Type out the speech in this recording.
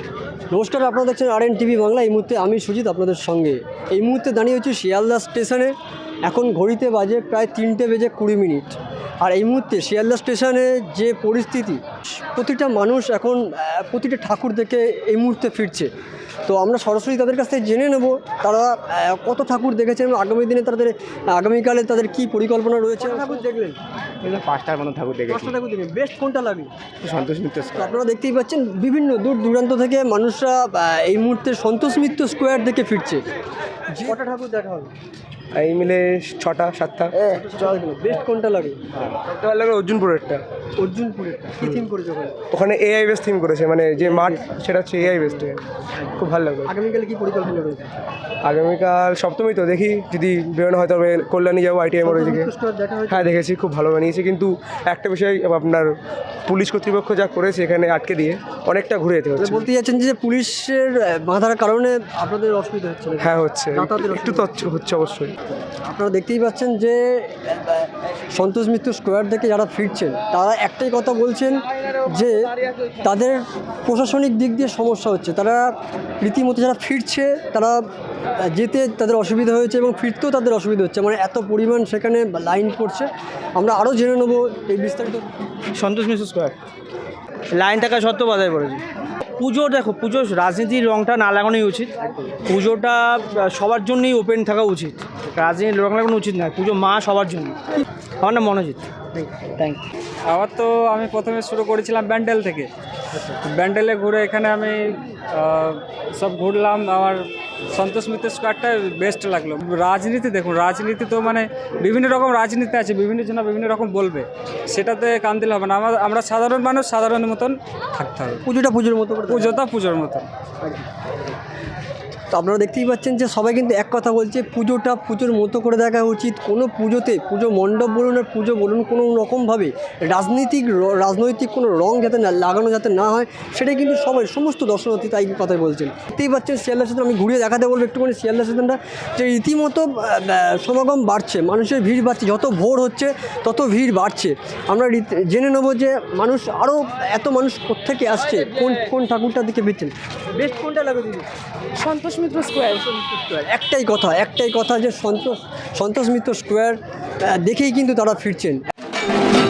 নমস্কার, আপনারা দেখছেন RN টিভি বাংলা। এই মুহূর্তে আমি সুজিত আপনাদের সঙ্গে। এই মুহূর্তে দাঁড়িয়ে হচ্ছে শিয়ালদা স্টেশনে। এখন ঘড়িতে বাজে প্রায় 3:20 আর এই মুহূর্তে শিয়ালদা স্টেশনে যে পরিস্থিতি, প্রতিটা মানুষ এখন প্রতিটা ঠাকুর দেখে এই মুহূর্তে ফিরছে। তো আমরা সরাসরি তাদের কাছ থেকে জেনে নেব তারা কত ঠাকুর দেখেছেন এবং আগামী দিনে আগামীকালে তাদের কী পরিকল্পনা রয়েছে। ঠাকুর দেখলেন? 5টার মতো ঠাকুর দেখেছি। 5টা ঠাকুর দেখলেন, বেস্ট কোনটা লাগে? সন্তোষ মিত্র স্কয়ার। আপনারা দেখতেই পাচ্ছেন বিভিন্ন দূর দূরান্ত থেকে মানুষরা এই মুহূর্তে সন্তোষ মিত্র স্কোয়ার থেকে ফিরছে। কটা ঠাকুর দেখা হলো? এই মিলে 6টা 7টা। বেস্ট কোনটা লাগে? একটা ভালো লাগে অর্জুনপুরেরটা। অর্জুনপুরেরটা কি থিম করেছে ওখানে AI বেস থিম করেছে, মানে যে মাঠ সেটা হচ্ছে AI বেস। খুব ভালো লাগবে। আগামীকালে কি পরিকল্পনা রয়েছে? আগামীকাল সপ্তমী তো, দেখি যদি বেরোনো হয় তবে কল্যাণী যাবো, ITI মোড়ের দিকে। হ্যাঁ দেখেছি, খুব ভালো বানিয়েছে, কিন্তু একটা বিষয় আপনার পুলিশ কর্তৃপক্ষ যা করেছে এখানে আটকে দিয়ে অনেকটা ঘুরে যেতে হচ্ছে। বলতে যাচ্ছেন যে পুলিশের বাধার কারণে আপনাদের অসুবিধা হচ্ছে? হ্যাঁ হচ্ছে, একটু তো হচ্ছে অবশ্যই। আপনারা দেখতেই পাচ্ছেন যে সন্তোষ মিত্র স্কোয়ার থেকে যারা ফিরছেন তারা একটাই কথা বলছেন যে তাদের প্রশাসনিক দিক দিয়ে সমস্যা হচ্ছে। তারা রীতিমতো যারা ফিরছে তারা যেতে তাদের অসুবিধা হয়েছে এবং ফিরতেও তাদের অসুবিধা হচ্ছে, মানে এত পরিমাণ সেখানে লাইন পড়ছে। আমরা আরও জেনে নেবো এই বিস্তারিত। সন্তোষ মিত্র স্কোয়ার লাইন থাকা সত্ত্বেও বাধায় পড়েছে। পুজো দেখো, পুজো রাজনীতির রঙটা না লাগানোই উচিত। পুজোটা সবার জন্যই ওপেন থাকা উচিত, রাজনীতির রং লাগানো উচিত না। পুজো মা সবার জন্য। আমার নাম মনোজিৎ। Thank you. আবার তো আমি প্রথমে শুরু করেছিলাম ব্যান্ডেল থেকে। ব্যান্ডেলে ঘুরে এখানে আমি সব ঘুরলাম। আমার সন্তোষ মিত্র স্কোয়ারটা বেস্ট লাগলো। রাজনীতি দেখুন, রাজনীতি তো মানে বিভিন্ন রকম রাজনীতি আছে, বিভিন্ন জন বিভিন্ন রকম বলবে, সেটাতে কান দিলে হবে না। আমরা সাধারণ মানুষ, সাধারণ মতন থাকতে হবে। পুজোটা পুজোর মতো করে, পুজোটা পুজোর মতন। তো আপনারা দেখতেই পাচ্ছেন যে সবাই কিন্তু এক কথা বলছে, পুজোটা পুজোর মতো করে দেখা উচিত। কোনো পুজোতে, পুজো মণ্ডপ বলুন আর পুজো বলুন, কোনো রকমভাবে রাজনৈতিক কোনো রং যাতে লাগানো যাতে না হয়, সেটাই কিন্তু সমস্ত দর্শনার্থী তাই কথাই বলছেন। দেখতেই পাচ্ছেন শিয়ালদা স্টেশন। আমি ঘুরিয়ে দেখাতে বলবো একটুখানি শিয়ালদা স্টেশনটা, যে রীতিমতো সমাগম বাড়ছে, মানুষের ভিড় বাড়ছে। যত ভোর হচ্ছে তত ভিড় বাড়ছে। আমরা জেনে নেবো যে আরও এত মানুষ কোত্থেকে আসছে, কোন ঠাকুরটার দিকে ফিরছেন। বেস্ট কোনটা লাগে দিদি? সন্তোষ মিত্র স্কোয়ার। একটাই কথা যে সন্তোষ মিত্র স্কোয়ার দেখেই কিন্তু তারা ফিরছেন।